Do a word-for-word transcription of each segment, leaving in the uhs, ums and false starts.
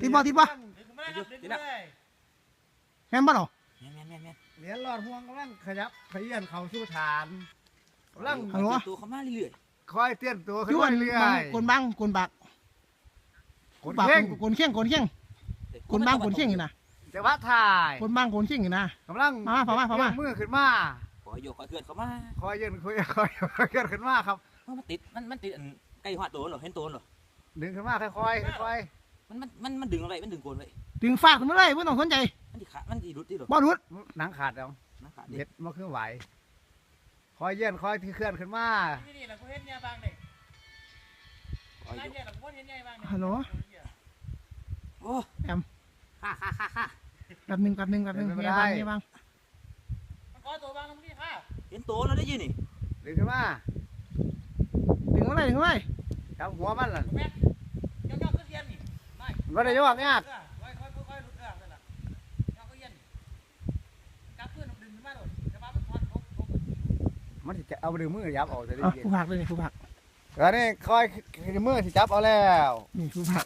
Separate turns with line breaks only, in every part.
ติดบ่ติดบ่แม่นบ่เนาะ
แม่นแม่นแม่น
เหรียญหลอดห่วงกำลังขยับขยื่นเข้าสู่ฐานกำลัง
ฮัลโหล
ตัวเขามาเรื่อย
คอยเตี้ยนตัวขึ้น
ช่วย
เรื่อย
กนบังกนบัก
ๆกด
บัก
เพ่ง
กนเข่งกนเข่ง
ๆ
กนบังกนเข่งอยู่นะ
แต่ว่าถ่าย
กนบังกนเข่งอยู่นะ
กำลัง
มามามามามา
ยกมือขึ้นมา
ขอโยกขอเคลื่อนเขามา
คอยยื่นคอยคอยคอยยื่นขึ้นมาครับ
มันติดมันมันติดอันใกล้หัวโตนหรอเห็นโตนหรอ
ดึงขึ้นมาค่อยๆค่อย
มันมันมันมันดึงอะไรมันดึงโกนไว้
ดึงฝากขึ้นมาเลยไม่ต้องสนใจ
มันติขามันติรุดติหรอ
บ่รุด
ๆหนังขาดแล้ว
นะขาด
เด็ดมาขึ้นไหวคอยยื่นคอยที่เคลื่อนขึ้นมา
นี่แหละกูเห็นเนี่ยบางเด็ก
ขอโย
ไอ้
ก
เนี่ยแหละกูเห็นเนี่ยบางเด็ก
ฮัลโหล
โอ้ฮ่าฮ่าฮ่าฮ่า
แป๊บหนึงแป๊บหนึงแป๊บหนึงเฮียบังเฮียบัง
มันขอตัวบางตรงนี้ค่ะ
เห็นโตนแล้วได้ยินนี่
ดึงขึ้นมา
ดึงมาเลยดึงมาเลย
จับหัวมันล่ะ
แม่ย่องย่องขึ้นเทียนนี่ไม่
มันไม่ได้ยกเนี่ย
ค่อยค่อยค่อยลุกเรื่องนั่นแหละย่องก็เย็นจับเพื่อนดึงขึ้นมาโดดแต่ว่ามันถอดทบทบ
มันจะเอาดึงมือยับออกจะได้
อ่ะ
ยิน
ผู้ผักเลยนี่ผู้ผัก
แล้วนี่คอยมือที่จับเอาแล้ว
นี่ผู้ผัก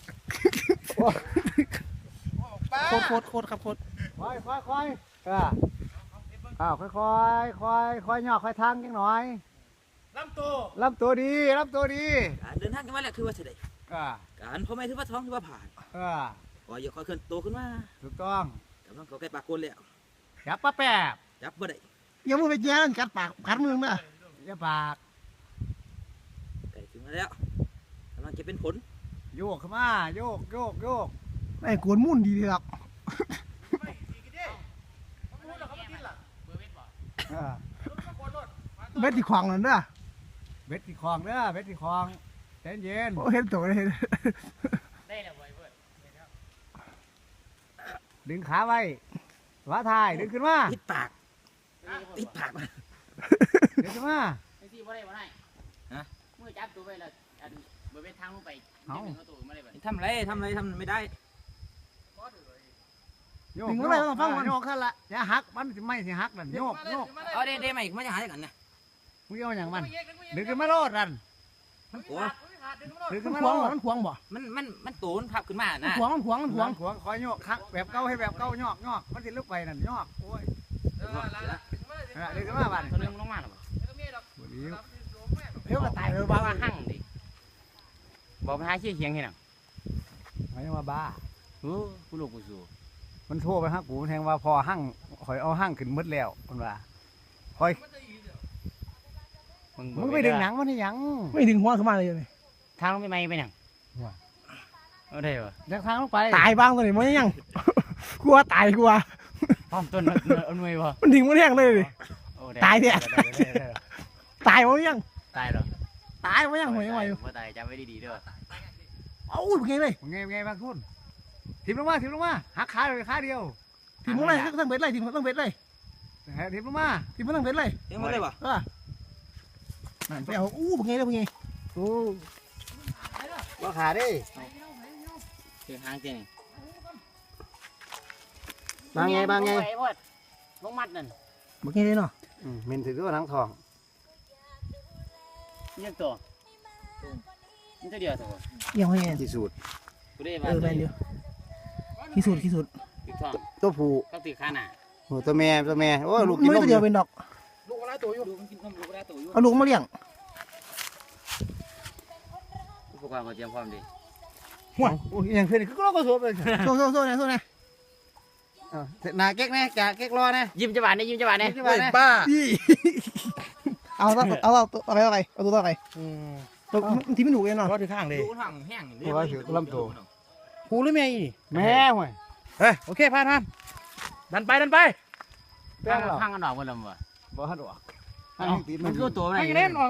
โคตรโคตรโคตรครับโคตร
คอยคอยคอยอ่าอ้าวค่อยค่อยค่อยค่อยย่อค่อยทางจังหน่อย
ลำตัว
ลำตัวดีลำตัวดี
การเดินทางกันมาแล้วคือว่าเสด็จ
อ่า
การพ่อแม่ถือว่าท้องถือว่าผ่าน
อ่า
ขอโยกขอเคลื่อนโตขึ้นมา
ถูกต้อง
กำลังเขาใกล้ปากโกนแล้ว
จับป้าแป๊บ
จับบ่ได้
อย่ามือไปแย่นั่นกัดปากกัดมือมึงนะ
อย่าปาก
ไก่ถึงมาแล้วกำลังจะเป็นผล
โยกขึ้นมาโยกโยกโยก
ไอ้กวนมุ่นดีเลยหรอก
ไม่ดีกันดิเขาพูดแล้วเขาไม่กินล่ะเบอร์เวทบอก
อ่า
ลุกมาโกนรถ
เบ็ดที่ขวางนั่นเด้อ
เบ็ดที่คลองเด้อเบ็ดที่คลองใจเย็น
โอ้เห็นตัวเลย
ได้แล้วเว้ยเพื่อน
ดึงขาไว้ว่าทายดึงขึ้นมา
ติดปากติดปาก
ดึงขึ้นมา
ไอ้ที่บ่ได้บ่ได้ฮะมือจับตัวไปแล้วอันเบอร์เวททางลงไปเอาตัวมาได้บ่
ทำไรทำไรทำไม่ได้
โยกโยกโยกขึ้นละอย่าหักมันสิไม่สิหักนั่นโยกโยก
เอาเด้เด้ใหม่มาจะหาได้กันนะ
มึงเอาอย่างมันดึงขึ้นมาโลดนั่น
โอ้
ดึงขึ้น
มัน
มา
ข
โล
วาง
ด
มันขวางบ่
มันมันมันโตนพับขึ้นมา
มัน
นะ
ขวางมันขวางมันขวาง
ขวางคอยโยกคักแบบเก่าให้แบบเก่ายอกยอกมันสิลุกไปนั่นยอกโอ้ยดึงขึ้นมาบ้าน
ตัวนึงลงมาหรอ
เดี๋ยวก็ตายเลย
บ้า
บ้า
ว่าหั่งดิบอกไปหาเชี่ยเคียงที่ไหน
ไม่มาบ้า
โอ้กูลูกกูสู้
มันโทรไปฮักกูแทงว่าพอหั่งคอยเอาหั่งขึ้นมืดแล้วมันว่าคอยมึงไปดึงหนังมันนี่ยัง
ไม่ดึงหัวขึ้นมาเลยนี่
ทางไม่ไม่ไปหนังเอาได้ปะ
เดินทางลงไป
ตายบ้างตัวนี้มันยังกลัวตายกลัว
พร้อมต้นเอาหน่วยปะ
มันดึงมันแห้งเลยดิตายเนี่ยตายมันยัง
ตายหรอ
ตายมันยังหวยหวย
ว่าตายจำไว้ดีๆด้วย
เอ้าเป็นไงเลย
ไงไงบางคนทิมลงมาทิมลงมาหักขาเลยขาเดียว
ทีมมันเลยต้องเบ็ดเลยทีมต้องเบ็ดเลย
ทิมลงมา
ทีมมันต้องเบ็ดเลย
เอ็งมาได้ปะ
เออไปเอาอู้เป็นไงเลยเป็นไง
โอ้ว่าขาดิ
คือหางจริง
บางไงบางไง
ลงมัดนั่น
เป็นไงเลยเนาะ
เมนถือตัวหนังทอง
ยังตัวนี่ตัวเดียวตัว
ยังไง
ที่สุด
กูได้
เอ
มา
อไปเดียวที่สุดที่สุด
ติดทอง
ตัวผู้
ก็ติดข้าหน้า
โอ้ตัวแม่ตัวแม่โอ้ลูกกิน
ไม่
นม
ตัวเดียวเป็นดอก
ลูกอะไรตัวอยู่ลูกมันกินนมลูกอะไรตัวอยู่
เอาลูกมาเลี้ยง
อุปกรณ์ก็เตรียมพร้อมดี
หัวโอ้ยอย่างเพื่อนก็เราก็สวมเลย
โซ่โซ่โซ่เนี่ยโซ่เนี่ย
นาเก๊กนะจ่าเก๊กรอนะ
ยิ้มจังหวะนี้ยิ้มจังหวะนี้
เฮ้ยบ้า
เอาเอาเอาเอาตัวอะไรอะไรเอาตัวอะไรตัวที่ไม่ถูกเลยเนาะ
รอที่ข้างเลย
ลูกห่างแห้ง
หูหรือแม่อีแม่ห่วยเฮ้ยโอเคผ่านผ่านดันไปดันไปแป้งหรอ
ข้างกันดอกมันลำวะ
บ่ฮัดหรอ
มันคือตัวไหน
ให้เล่นออก